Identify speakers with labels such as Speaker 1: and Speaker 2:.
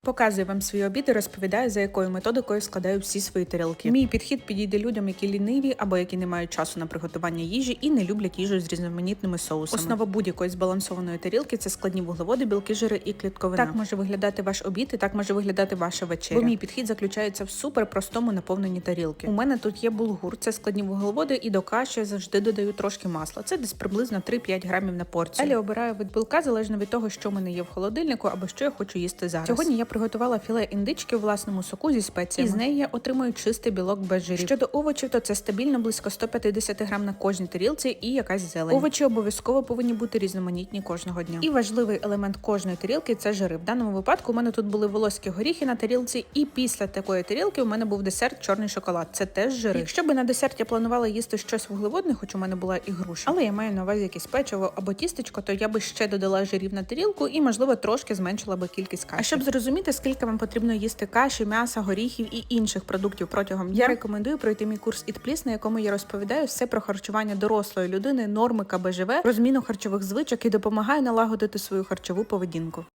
Speaker 1: Показую вам свій обід і розповідаю, за якою методикою складаю всі свої тарілки. Мій підхід підійде людям, які ліниві або які не мають часу на приготування їжі і не люблять їжу з різноманітними соусами. Основа будь-якої збалансованої тарілки це складні вуглеводи, білки, жири і клітковина. Так може виглядати ваш обід і так може виглядати ваша вечеря. Бо мій підхід заключається в суперпростому наповненні тарілки. У мене тут є булгур, це складні вуглеводи, і до каші я завжди додаю трошки масла. Це десь приблизно 3-5 грамів на порцію. Далі обираю вид білка залежно від того, що в мене є в холодильнику або що я хочу їсти зараз. Сьогодні я приготувала філе індички у власному соку зі спеціями. І з неї я отримую чистий білок без жирів. Щодо овочів, то це стабільно близько 150 грам на кожній тарілці і якась зелень. Овочі обов'язково повинні бути різноманітні кожного дня. І важливий елемент кожної тарілки це жири. В даному випадку у мене тут були волоські горіхи на тарілці, і після такої тарілки у мене був десерт чорний шоколад. Це теж жири. Якщо би на десерт я планувала їсти щось вуглеводне, хоч у мене була і груша, але я маю на увазі якесь печиво або тістечко, то я би ще додала жирів на тарілку і, можливо, трошки зменшила би кількість каші. А щоб зрозуміти, скільки вам потрібно їсти каші, м'яса, горіхів і інших продуктів протягом дня, я рекомендую пройти мій курс Eat Please, на якому я розповідаю все про харчування дорослої людини, норми КБЖВ, розміну харчових звичок і допомагаю налагодити свою харчову поведінку.